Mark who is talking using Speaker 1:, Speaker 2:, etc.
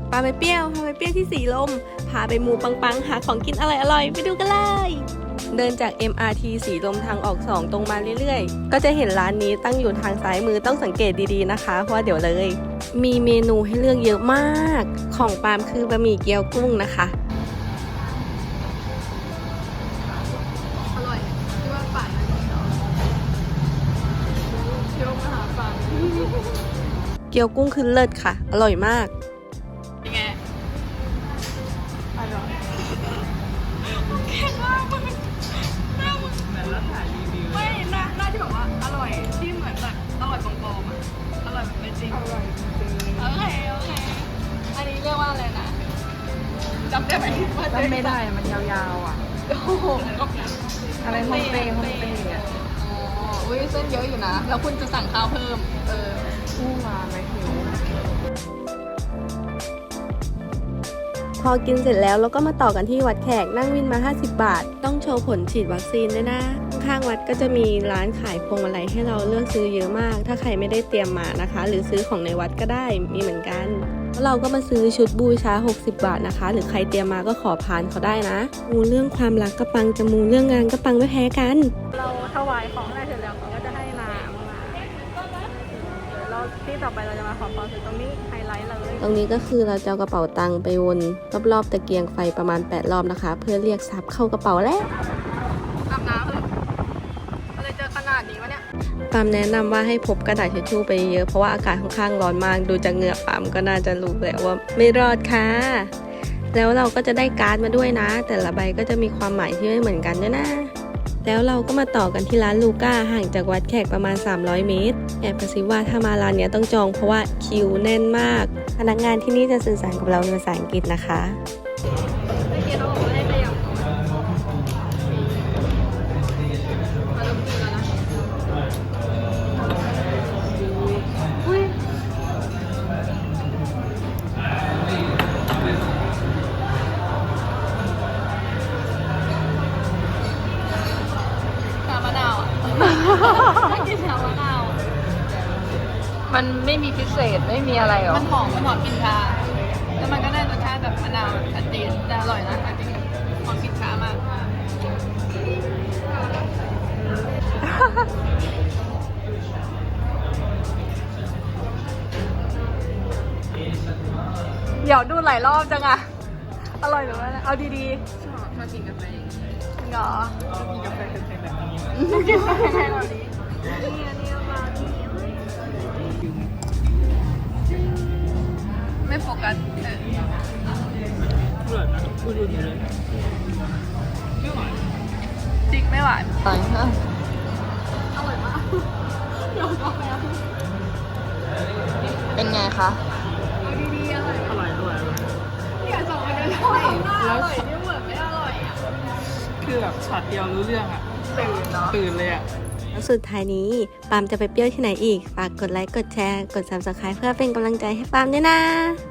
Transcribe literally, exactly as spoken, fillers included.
Speaker 1: ปาไปเปรี้ยวพาไปเปรี้ยวที่สีลมพาไปหมู่ปังๆหาของกินอร่อยๆไปดูกันเลยเดินจาก เอ็ม อาร์ ที สีลมทางออกสองตรงมาเรื่อยๆก็จะเห็นร้านนี้ตั้งอยู่ทางซ้ายมือต้องสังเกตดีๆนะคะเพราะว่าเดี๋ยวเลยมีเมนูให้เลือกเยอะมากของปาล์มคือบะหมี่เกี๊ยวกุ้งนะคะ
Speaker 2: อร่อยที่ว่าป่านนั้นเที่ยวมหาป่าน
Speaker 1: เกี๊ยวกุ้งคือเลิศค่ะอร่อยมาก
Speaker 2: ยังไงอร่อยแค่หน้ามึงหน้ามึงเหมือนแล้วถ่ายรีวิวไม่หน้าหน้าที่แบบว่าอร่อยที่เหมือนแบบอร่อยปลอมๆอ่ะอร่อยแบบไม่จริงอร่อยจริงโอเคโอเคอันนี้เรียกว่าอะไรนะจำได้ไหมจำไม่ได้มันยาวๆอ่ะโอ้โหอะไรโฮมเตย์โฮมเตย์อ่ะอ๋ออุ้ยเส้นเยอะอยู่นะแล้วคุณจะสั่งข้าวเพิ่มเออคู่มาไหมหิว
Speaker 1: พอกินเสร็จแล้วเราก็มาต่อกันที่วัดแขกนั่งวินมาห้าสิบบาทต้องโชว์ผลฉีดวัคซีนด้วยนะข้างวัดก็จะมีร้านขายพวงมาลัยให้เราเลือกซื้อเยอะมากถ้าใครไม่ได้เตรียมมานะคะหรือซื้อของในวัดก็ได้มีเหมือนกันแล้วเราก็มาซื้อชุดบูชาหกสิบบาทนะคะหรือใครเตรียมมาก็ขอพานเขาได้นะมูเรื่องความรักก็ปังจะมูเรื่องงานก็ปังไม่แพ้กัน
Speaker 2: เราถวายของอะไรเสร็จแล้วเขาก็จะให้น้ำมาแล้วที่ต่อไปเราจะมาขอพรคือตรงนี้ไฮไลท์เลย
Speaker 1: ตรงนี้ก็คือเราจะเอากระเป๋าตังค์ไปวนรอบๆตะเกียงไฟประมาณแปดรอบนะคะเพื่อเรียกทรัพย์เข้ากระเป๋าแล้ว
Speaker 2: อาบน้ำเหรออะไรเจอขนาดนี้วะเนี่ย
Speaker 1: ปามแนะนำว่าให้พกกระดาษทิชชู่ไปเยอะเพราะว่าอากาศค่อนข้างร้อนมากดูจากเหงื่อปามก็น่าจะรู้แล้วว่าไม่รอดค่ะแล้วเราก็จะได้การ์ดมาด้วยนะแต่ละใบก็จะมีความหมายที่ไม่เหมือนกันด้วยนะแล้วเราก็มาต่อกันที่ร้านลูก้าห่างจากวัดแขกประมาณสามร้อยเมตรแอบกระซิบว่าถ้ามาร้านนี้ต้องจองเพราะว่าคิวแน่นมากพนักงานที่นี่จะสื่อสารกับเราเป็นภาษาอังกฤษนะคะ
Speaker 2: เมื่อกี้เขาบอกว่าให้ขยับก่อนมาดูกินแล้วนะอุ้ยชามะนาวอ่ะไม่กินชามะนาว
Speaker 3: มันไม่มีพิเศษไม่มีอะไรหรอ
Speaker 2: มันหอมมันหอมกลิ่นชาแล้วมันก็ได้รสชาติแบบมะนาวชัดเจนแต่อร่อยนะจริงหอมกลิ่นชามากเดี๋ยวดูหลายรอบจังอะอร่อยหรือว่าเอาดีๆชอบชอบกินกาแฟเหรอชอบกินกาแฟแพงๆแบบนี้กินกาแฟแพงๆแบบนี้นี่อันนี้มาไม่โฟกัสเอออร่อยนะพูดดูดีเลยไม่หวานจริงไม่หวาน
Speaker 3: อร่อยฮะ
Speaker 2: อร่อยมากยอมรับแล้ว
Speaker 3: เป็นไงคะ
Speaker 2: เอาดีๆอร่อยอร่อยด้วยอยากส่งไปเลยอร่อยอร่อยนี่เหมือนไม่อร่อยอ่ะ
Speaker 4: คือแบบช็อตเดียวรู้เรื่องอ่ะ
Speaker 2: ตื่นเนาะ
Speaker 4: ตื่นเลยอ่ะ
Speaker 1: แล้วสุดท้ายนี้ปามจะไปเปรี้ยวที่ไหนอีกฝากกดไลค์กดแชร์กด ซับสไครบ์ เพื่อเป็นกำลังใจให้ปามด้วยนะ